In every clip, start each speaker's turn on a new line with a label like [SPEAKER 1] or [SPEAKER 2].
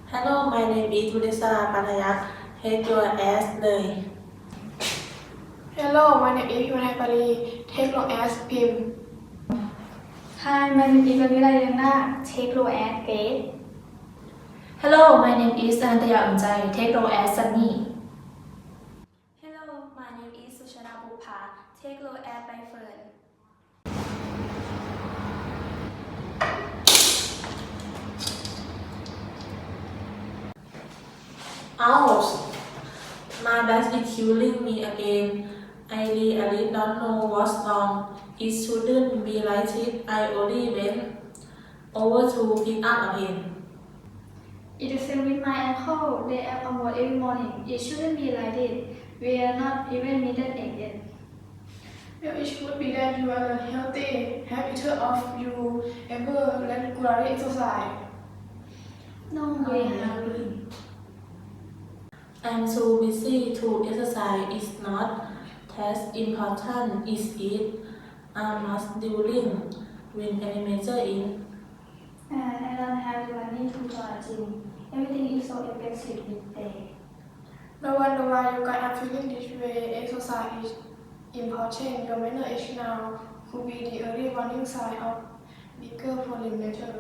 [SPEAKER 1] Hello my name is วุฒิศรา ปัทยัคฆ์ Take your ass เลย
[SPEAKER 2] Hello my name is พิมพ์ไทยปารี Take your ass พิมพ์
[SPEAKER 3] Hi my name is Vanilla Yana Take low as Grace
[SPEAKER 4] Hello my name is อนันตยาอุ่นใจ Take low as Sunny
[SPEAKER 3] Hello my name is สุชาดาบุภา Take low as ใบเฟิร์น
[SPEAKER 1] Ouch my back is killing me again I really don't know what's wrong it shouldn't be like it I only went over to pick up a pen
[SPEAKER 3] It is same with my ankle they are almost every morning it shouldn't be like this we are not even needed again
[SPEAKER 2] Well, it should be that you are a healthy habiter of you ever regularly exercise.
[SPEAKER 3] No we haven't
[SPEAKER 1] I'm too busy to exercise it's not as important is it I must during when any major in
[SPEAKER 3] and I don't have the money to join a gym everything is so expensive these days
[SPEAKER 2] No wonder why you guys are feeling this way. Exercise is important. Your mental age now could be the early warning sign of bigger problem later.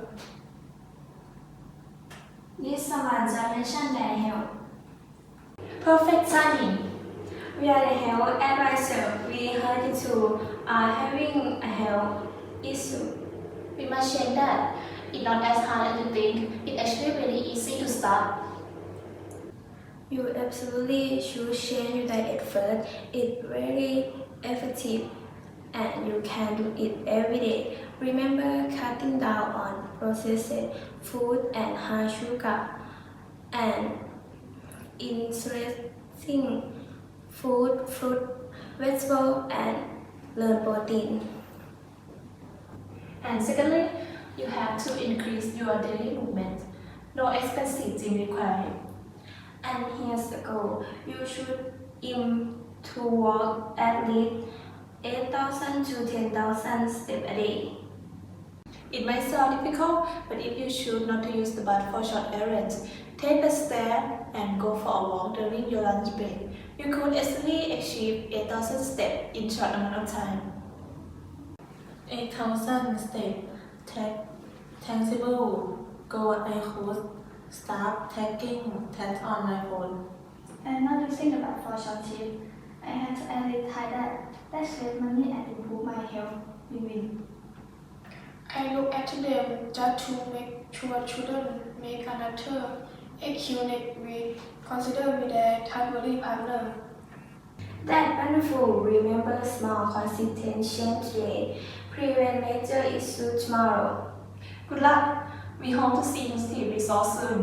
[SPEAKER 3] This someone just mentioned their health
[SPEAKER 4] Perfect Sunny
[SPEAKER 3] We are the health advisor. We heard you are having a health issue.
[SPEAKER 4] We must change that it's not as hard as you think it's actually really easy to start
[SPEAKER 3] You absolutely should change your diet first. It's very effective and you can do it every day. Remember cutting down on processed food and high sugar and interesting food, fruit, vegetable and lean protein.
[SPEAKER 4] and secondly you have to increase your daily movement no expensive gym required
[SPEAKER 3] And here's the goal. You should aim to walk at least 8,000 to 10,000 steps a day.
[SPEAKER 4] It might sound difficult but if you choose not to use the bus for short errands take the stair and go for a walk during your lunch break you could easily achieve 8,000 steps in short amount of time
[SPEAKER 1] 8,000 step tangible goal I could start taking that on my phone
[SPEAKER 3] I'm not using the bus for short trip. I had to advertise that. That save money and improve my health. Win-win.
[SPEAKER 2] I look at them just to make sure children make another EQ next week. Consider me their temporary partner.
[SPEAKER 3] That's wonderful. Remember small consistent change today. Prevent major issues tomorrow.
[SPEAKER 4] Good luck we hope to see positive results soon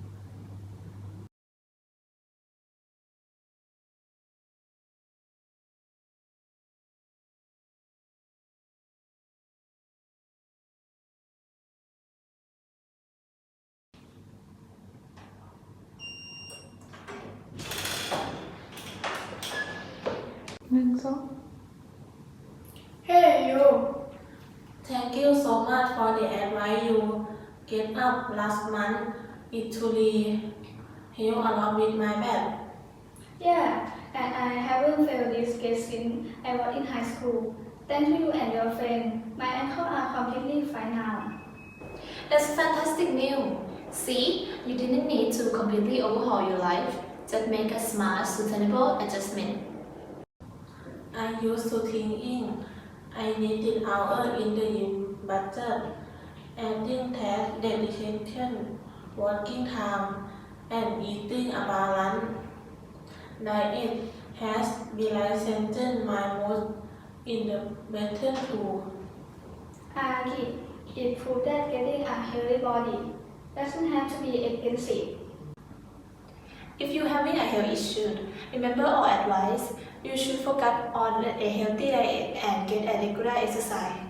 [SPEAKER 2] Hey you!
[SPEAKER 1] Thank you so much for the advice you gave up last month. It truly helped a lot with my back.
[SPEAKER 3] Yeah, and I haven't failed this case since I was in high school. Thank you and your friend. My ankles are completely fine now.
[SPEAKER 4] That's fantastic news. See, you didn't need to completely overhaul your life. Just make a smart, sustainable adjustment.
[SPEAKER 1] I used to thinking I needed hours in the gym budget, adding that dedication, working time, and eating a balanced diet has realized my mood in the better too.
[SPEAKER 3] Agreed. It proves that getting a healthy body doesn't have to be expensive.
[SPEAKER 4] If you're having a health issue, remember our advice. You should focus on a healthy diet and get a regular exercise.